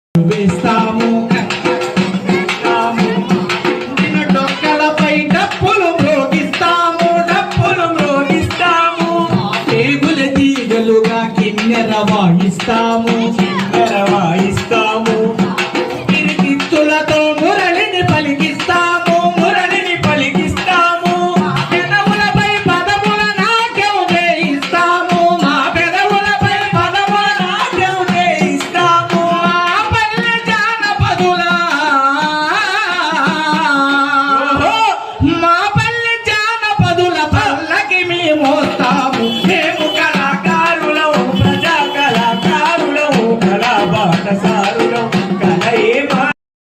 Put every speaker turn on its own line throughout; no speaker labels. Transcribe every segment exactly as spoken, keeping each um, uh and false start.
వేస్తాము నిన్ను డొక్కలపై డప్పులు మ్రోగిస్తాము డప్పులు మ్రోగిస్తాము పేగుల తీగలుగా కిన్నెర వాయిస్తాము కిన్నెర వాయిస్తాము కిరికిత్తులతో మురళిని పలికిస్తాము మురళిని పలికిస్తాము పెదవులపై పదముల నాట్యం చేయిస్తాము మా పెదవులపై పదముల నాట్యం చేయిస్తాము మా పల్లె జానపదుల మా పల్లె జానపదుల పల్లకి మేము మోస్తాము మేము కళాకారులము ప్రజా కళాకారులము కళా బాటసారులం కళ ఏమా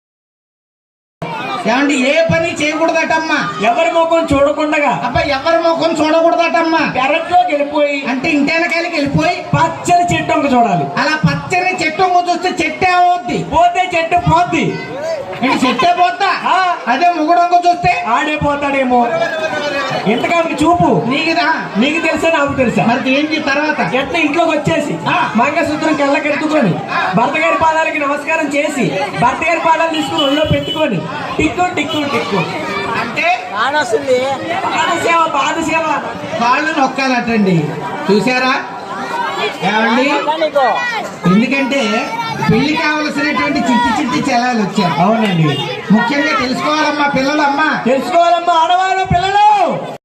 ఏమండి ఏ పని చేయకూడదటమ్మా
ఎవరి ముఖం చూడకుండా
అబ్బా ఎవరి ముఖం చూడకూడదటమ్మా
పెరట్లోకి వెళ్ళిపోయి
అంటే ఇంటెనకాయలకి వెళ్ళిపోయి
పచ్చని చెట్టు ఒక చూడాలి.
అలా పచ్చని చెట్టు చూస్తే చెట్టే అవుద్ది
పోతే చెట్టు పోద్ది.
ఇది చెట్టే పోతా
ఆ,
అదే ముగుడొంక చూస్తే
ఆడే పోతాడేమో. ఎంతకానికి చూపు
నీకుదా
నీకు తెలుసా నాకు తెలుసా?
మరి ఏంటి తర్వాత
ఎట్లా ఇంట్లోకి వచ్చేసి
ఆ.
మంగళసూత్రం కళ్ళకెత్తుకొని భర్త గారి పాదాలకి నమస్కారం చేసి భర్త గారి పాదాలు తీసుకుని ఒళ్ళో పెట్టుకొని టిక్కు టిక్కు టిక్కు
అంటే
పాదసేవ పాదసేవ
కాళ్ళు నొక్కాలటండి చూసారా ఏమండి ఎందుకంటే పెళ్లి కావలసినటువంటి చిట్టి చిట్టి చలాలు వచ్చారు.
అవునండి,
ముఖ్యంగా తెలుసుకోవాలమ్మా పిల్లలమ్మా
తెలుసుకోవాలమ్మా ఆడవాళ్ళు పిల్లలు.